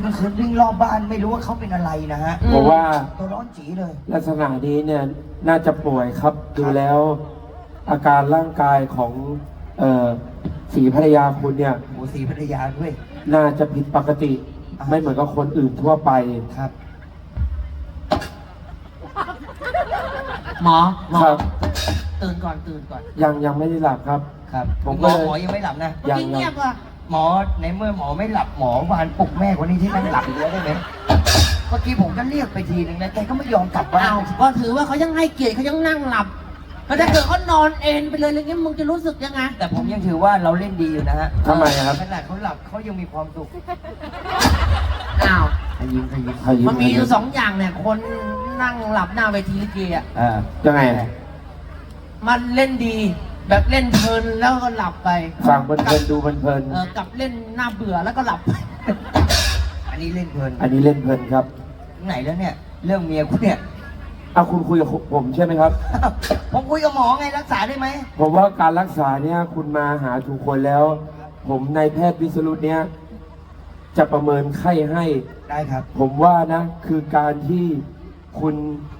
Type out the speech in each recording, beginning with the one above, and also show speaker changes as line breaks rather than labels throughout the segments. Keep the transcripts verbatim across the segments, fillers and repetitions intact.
กลางคืนวิ่งรอบบ้านไม่รู้ว่าเขาเป็นอะไรนะฮะ
ผมว่า
ตัวร้อนจีเลย
ลักษณะนี้เนี่ยน่าจะป่วยครับดูแล้วอาการร่างกายของเอ่อศรีภรรยาคุณเนี่ย
โอ้ศรีภรรยาด้วย
น่าจะผิดปกติไม่เหมือนกับคนอื่นทั่วไป
ครับ
หมอหมอ
ครับ
ตื่นก่อนตื่นก่อน
ยังยังไม่ได้หลับครับ
ครับ
ผม
หม
ก็
อหมอยังไม่หลับนะ
ยัง
เงียบอ่ะ
หมอในเมื่อหมอไม่หลับหมอวานปลุกแม่คนนี้ที่นั่งหลับอยู่แล้วได้ไหมเมื่อกี้ผมก็เรียกไปทีนึงนะแกก็ไม่ยอมกลับบ้า
อ้านวก็ถือว่าเขายังให้เกียรติเขายังนั่งหลับแล้วถ้าเกิดเขานอนเอนไปเลยอะไรเงี้ยมึงจะรู้สึกยังไง
แต่ผมยังถือว่าเราเล่นดีอยู่นะฮะ
ทำไมครับ
ขนาดเขาหลับเขายังมีความสุข
อ้าว
ขยิมขยิม
ขยิม
มันมีอยู่สองอย่างเนี่ยคนนั่งหลับหน้าเวทีลิเกอ่ะ
อ่า
ยังไง
มันเล่นดีแบบเล่นเพลินแล้วก็หลับไป
ฟังเพลินๆดูเพลิน
เออกับเล่นหน้าเบื่อแล้วก็หลับไป
อันนี้เล่นเพลิน
อันนี้เล่นเพลินครับ
ไหนแล้วเนี่ยเรื่องเมียคุณเนี่ย
เอาคุณคุยกับผมใช่ไหมครับ
ผมคุยกับหมอไงรักษาได้ไหม
ผมว่าการรักษาเนี่ยคุณมาหาถูกคนแล้วผมนายแพทย์วิศรุตเนี่ยจะประเมินไข้ให้
ได้ครับ
ผมว่านะคือการที่คุณ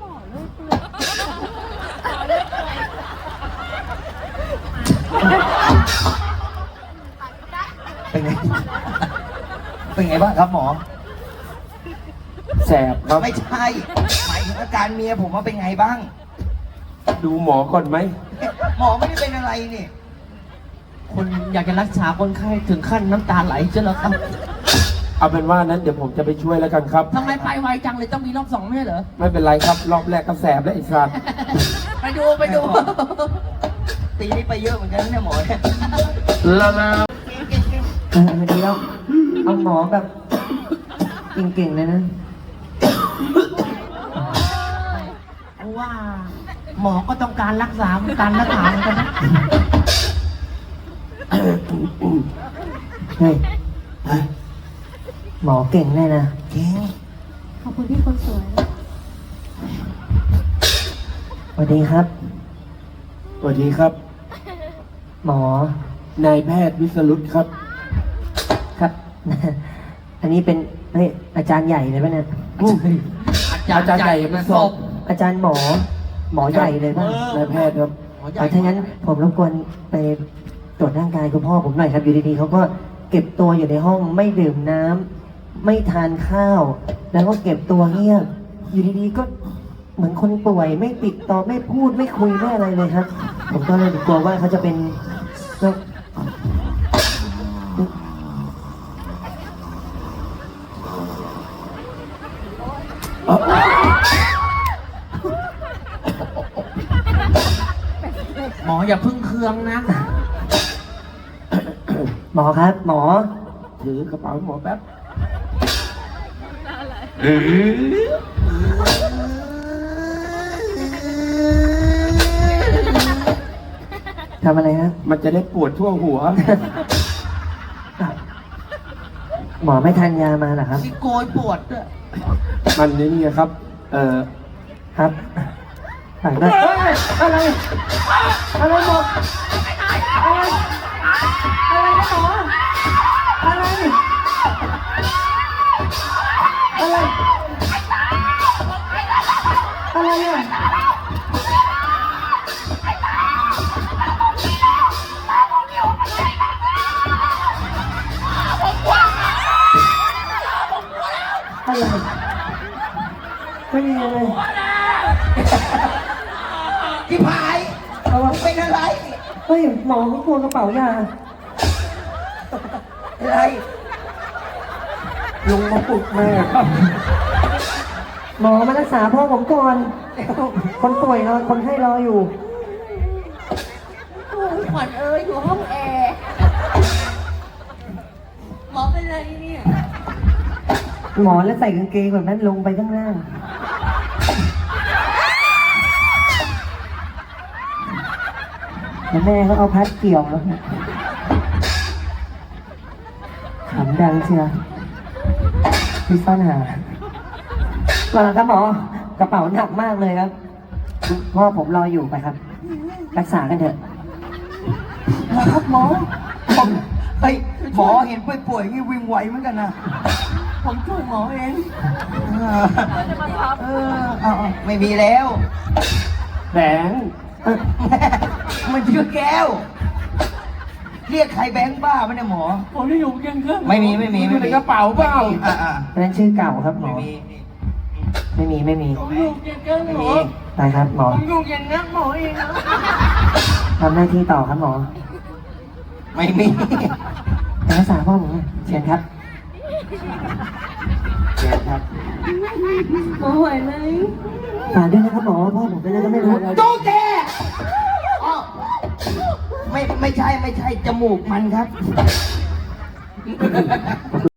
เป็นไงเป็นไงบ้างครับหมอ
แสบครับ
ไม่ใช่หมายถึงอาการเมียผมว่าเป็นไงบ้าง
ดูหมอก่อนไหม
หมอไม่ได้เป็นอะไรนี่
คุณอยากจะรักษาคนไข้ถึงขั้นน้ำตาไหลเจ้าเหรอครับ
เอาเป็นว่านั้นเดี๋ยวผมจะไปช่วยแล้วกันครับ
ทำไมไปไวจังเลยต้องมีรอบสองไม่ใช่เหรอ
ไม่เป็นไรครับรอบแรกก็แสบแล้วไอ้สัตว์
ไปดูไปดู
ตีนี่ไปเยอะเหมือนกันเนี่ยหมอเนี่ย
ละนะ
เออดีแล้วเอาหมอแบบเก่งๆเลยนะ
ว่าหมอก็ต้องการรักษาการรักษาเหมือนกันนะ
เฮ้ยหมอเก่งแน่นะ
เก่ง
ขอบคุณที่คนสวย
สวัสดีครับ
สวัสดีครับ
หมอน
ายแพทย์วิศรุตครับ
ครับอันนี้เป็นเฮ้ยอาจารย์ใหญ่เลยป่ะเนี่ย
อาจารย์ใหญ่มาศพ
อาจารย์หมอหมอใหญ่เลยป่ะ
นายแพทย์ครับ
เอาถ้างั้นผมรบกวนไปตรวจร่างกายคุณพ่อผมหน่อยครับอยู่ดีๆเขาก็เก็บตัวอยู่ในห้องไม่ดื่มน้ำไม่ทานข้าวแล้วก็เก็บตัวเงียบอยู่ดีๆก็เหมือนคนป่วยไม่ติดต่อไม่พูดไม่คุยไม่อะไรเลยครับผมก็เลยกลัวว่าเขาจะเป็นโรค
หมออย่าพึ่งเคืองนะ
หมอครับหมอ
ถือกระเป๋าหมอแป๊บ
ทำอะไรครับ
มันจะได้ปวดทั่วหัว
หมอไม่ทานยามาเหรอครับ
ที่โกยปวดด้วย
มันนี่ไงครับเออ
ครับถ่ายได้อะไรอะไรหมดอะไรอะไรนะหมออะไรอะไรอะไรอ่ะอะไรไม่มีอะไร
ที่พายเราเป็นอะไร
เฮ้ยหมอเขากลัวกระเป๋ายา
อะไร
ลุงมาปลุกแม่หมอมารักษาพ่อผมก่อนคนป่วยรอคนไข้รออยู่
ขวัญเอ้ยอยู่ห้องแอร์หมอเป็นอะไรเนี่ย
หมอแล้วใส่กางเกงแบบนั้นลงไปข้างล่างแล้วแม่เขาเอาพัดเกี่ยวแล้วขำดังเชียวพี่ซ่อนหามาครับหมอกระเป๋าหนักมากเลยครับพ่อผมรออยู่ไปครับรักษากันเถอะ
ครับหมอเฮ้ยหมอเห็นป่วยๆงี้วิ่งไหวเหมือนกันนะ
ผมช่วยหมอเอง
เออเออเอาเอาไม่มีแล้ว
แบงค์
มันชื่อแก้ว เรียกใครแบงค์บ้ามันเนี่ยหมอ
ผมได้อยู่เคียงข้าง
ไม่มีไม่มี
อ
ไม่
ยู่ใน
มี
กระเป๋าเปล่า
อ่าอ่า
อันนั้นชื่อเก่าครับหม
ไม่
อ
มี
ไม่มีไม่มี
ผมอยู่เคียงข้าง
ไม่
หม
มี
อ
ไปครับหมอ
ผมอยู่เคียงข้างหมอเองนะ
ทำหน้าที่ต่อครับหมอ
ไม่มี
ไปรักษาพ่อผมหน่อยเชิญครับ
เชิญครับ
หมอไหวไหม
ฝากด้วยนะครับหมอพ่อผมเป็นอะไรก็ไม่รู้
ตุ๊กแกอ้าวไม่ไม่ใช่ไม่ใช่จมูกมันครับ